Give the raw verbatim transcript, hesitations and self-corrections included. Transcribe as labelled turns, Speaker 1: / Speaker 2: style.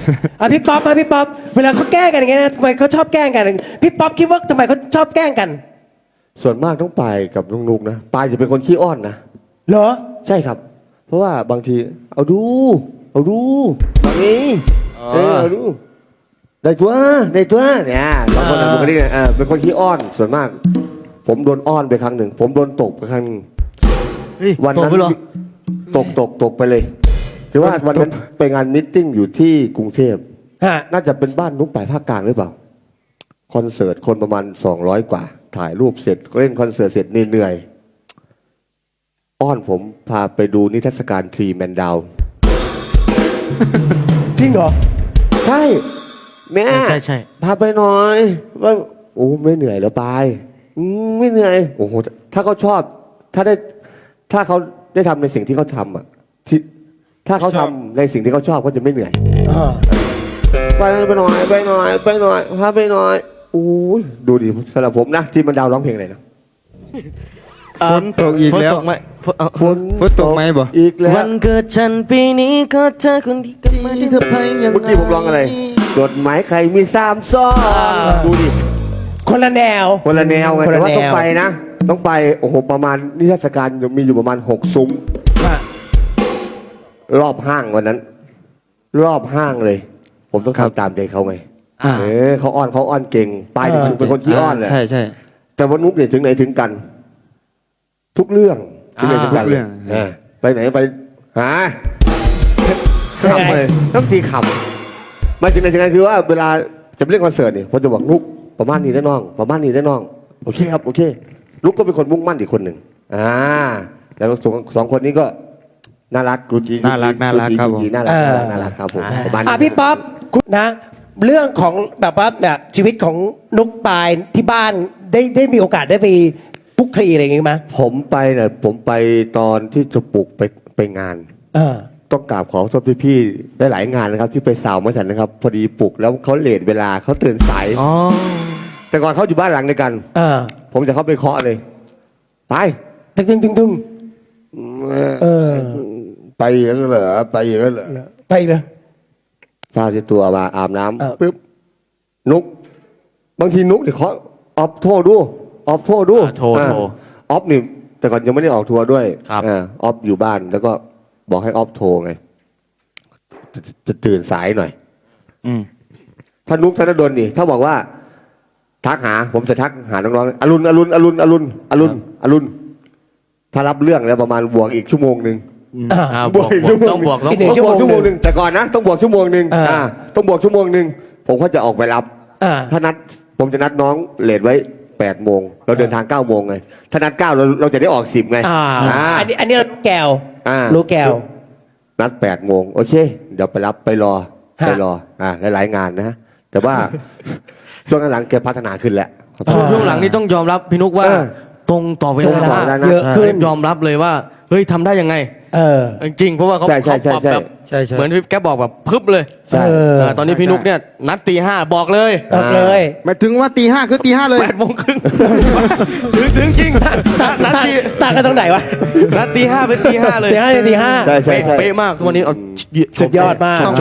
Speaker 1: อ่ะพี่ป๊อปมาพี่ป๊อปเวลาเขาแกล้งกันอย่างเงี้ยนะทำไมเขาชอบแกล้งกันพี่ป๊อปคิดว่าทำไมเขาชอบแกล้งกัน
Speaker 2: ส่วนมากต้องไปกับน้องนุกนะปายจะเป็นคนขี้อ้อนนะ
Speaker 1: เหรอ
Speaker 2: ใช่ครับ เพราะว่าบางทีเอาดูเอาดูแบบนี้เออเอาดูได้ตัวได้ตัวเนี่ยบางคนบางคนนี่เออเป็นคนขี้อ้อนส่วนมาก ผมโดนอ้อนไปครั้งหนึ่งผมโดนตกไปครั้งหนึ่งวันนั้นตกตกตกไปเลยคือว่าวันนั้นไปงานมิทติ้งอยู่ที่กรุงเทพน่าจะเป็นบ้านนุกป่ายภาคกลางหรือเปล่าคอนเสิร์ตคนประมาณสองร้อยกว่าถ่ายรูปเสร็จเล่นคอนเสิร์ตเสร็จเหนื่อยอ้อนผมพาไปดูนิทรรศการทรีแมนดาว
Speaker 1: จริงเหรอ
Speaker 2: ใช่แม่
Speaker 3: ใช่ใช่
Speaker 2: พาไปหน่อยว่าโอ้ไม่เหนื่อยแล้วไปไม่เหนื่อยโอ้โหถ้าเขาชอบถ้าได้ถ้าเขาได้ทำในสิ่งที่เขาทำอ่ะที่ถ้าเขาทำในสิ่งที่เขาชอบเขาจะไม่เหนื่อยไปไปหน่อยไปหน่อยไปหน่อยพาไปหน่อยโอ้ยดูดิสำหรับผมนะที่มันดาวร้องเพลงอะไรนะ
Speaker 4: ฝนตกอีกแล้ว
Speaker 3: ฝนตกไหม
Speaker 2: ฝน
Speaker 4: ฝนตกไหมบ่
Speaker 2: อีกแล้ว
Speaker 3: วันเกิดฉันปีนี้ก็เธอคนที่กันมาที่เธอไปยังไง
Speaker 2: เมื่อกี้ผมร้องอะไรจดหมายใครมีสามซ้อนดูดิ
Speaker 1: คนละแนว
Speaker 2: คนละแนวไงแต่ว่าต้องไปนะต้องไปโอ้โหประมาณนิทรรศการมีอยู่ประมาณหกซุ้มรอบห้างวันนั้น รอบห้างเลย ผมต้องทำตามใจเขาไงเออเขาอ้อนเขาอ้อนเก่งไปถึงเป็นคนที่อ้อนเลย
Speaker 4: ใช่ใช่
Speaker 2: แต่ว่านุ๊กเนี่ยถึงไหนถึงกัน ทุกเรื่องถึงไหนถึงกันเลยไปไหนไปหาขำเลยต้องตีขำมาถึงไหนถึงกันคือว่าเวลาจะเล่นคอนเสิร์ตเนี่ยผมจะบอกนุ๊กประมาณนี้ได้น้องประมาณนี้ได้น้องโอเคครับโอเคนุ๊กก็เป็นคนมุ่งมั่นอีกคนหนึ่งอ่าแล้วสองสองคนนี้ก็น่ารักกูจี
Speaker 4: น่ารักน่ารักครับผม
Speaker 2: น่ารักน่ารักครับผม
Speaker 1: อ่ะพี่ป๊อปคุณนะเรื่องของแบบว่าแบบชีวิตของนุกปายที่บ้านได้ได้มีโอกาสได้ไปพุกคลีอะไรอย่างงี้ไหม
Speaker 2: ผมไปเนี่ยผมไปตอนที่จะปลุกไปไปงานต้องกราบขอโทษพี่ๆได้หลายงานนะครับที่ไปสาวมาฉันนะครับพอดีปลุกแล้วเขาเลทเวลาเขาตื่นสายแต่ก่อนเขาอยู่บ้านหลังเดียวกันผมจะเข้าไปเคาะเลยไป
Speaker 1: ตึงตึงตึงตึง
Speaker 2: ไปอย่างนั้นเหรอไปอย่างนั้นเหรอ
Speaker 1: ไปเลย
Speaker 2: ฟาที่ตัวมาอาบน้ำปึ๊บนุกบางทีนุกเดี๋ยวเขาออฟโทรดูออฟโทรดู
Speaker 3: โทรโทร
Speaker 2: ออฟนี่แต่ก่อนยังไม่ได้ออกทัวร์ด้วย
Speaker 3: ครับ
Speaker 2: ออฟอยู่บ้านแล้วก็บอกให้ออฟโทรไงจะจะตื่นสายหน่อย
Speaker 4: อืม
Speaker 2: ถ้านุกธนดลนี่ถ้าบอกว่าทักหาผมจะทักหาน้องๆอรุณอรุณอรุณอรุณอรุณอรุณถ้ารับเรื่องแล้วประมาณบวกอีกชั่วโมงหนึ่ง
Speaker 3: บวกต้องบวกต้องบวก
Speaker 2: ชั่วโมงหนึ่งแต่ก่อนนะต้องบวกชั่วโมงหนึ่งอ่าต้องบวกชั่วโมงหนึ่งผมก็จะออกไปรับถ้านัดผมจะนัดน้องเลทไว้แปดโมงเราเดินทางเก้าโมงไงถ้านัดเก้าเราเราจะได้ออกสิบไง
Speaker 1: อันนี้อันนี้รู้แก้วรู้แก้ว
Speaker 2: นัดแปดโมงโอเคเดี๋ยวไปรับไปรอไปรออ่าหลายๆงานนะแต่ว่าช่วงหลังแกพัฒนาขึ้นแล้ว
Speaker 3: ช่วงหลังนี่ต้องยอมรับพี่นุกว่าตรงต่อเวลา
Speaker 1: เยอะขึ้น
Speaker 3: ยอมรับเลยว่าเฮ้ยทำได้ยังไง
Speaker 1: เออ
Speaker 3: จริงเพราะว่าเขาเขาปรับแบบเหมือนพี่แกบอกแบบพึบเลยตอนนี้พี่นุกเนี่ยนัดตีห้าบอกเลย
Speaker 1: บอกเลย
Speaker 4: หมายถึงว่าตีห้าคือตีห้าเลย
Speaker 3: แปดโมงครึ่งถึงถึงจริงนัดตี
Speaker 1: ต่างกันตรงไหนวะ
Speaker 3: นัดตีห้าเป็นตีห้าเลย
Speaker 1: ตีห้าเป็นตีห้า
Speaker 3: เป๊ะมากทุกวันนี้เอา
Speaker 1: สุดยอดมาก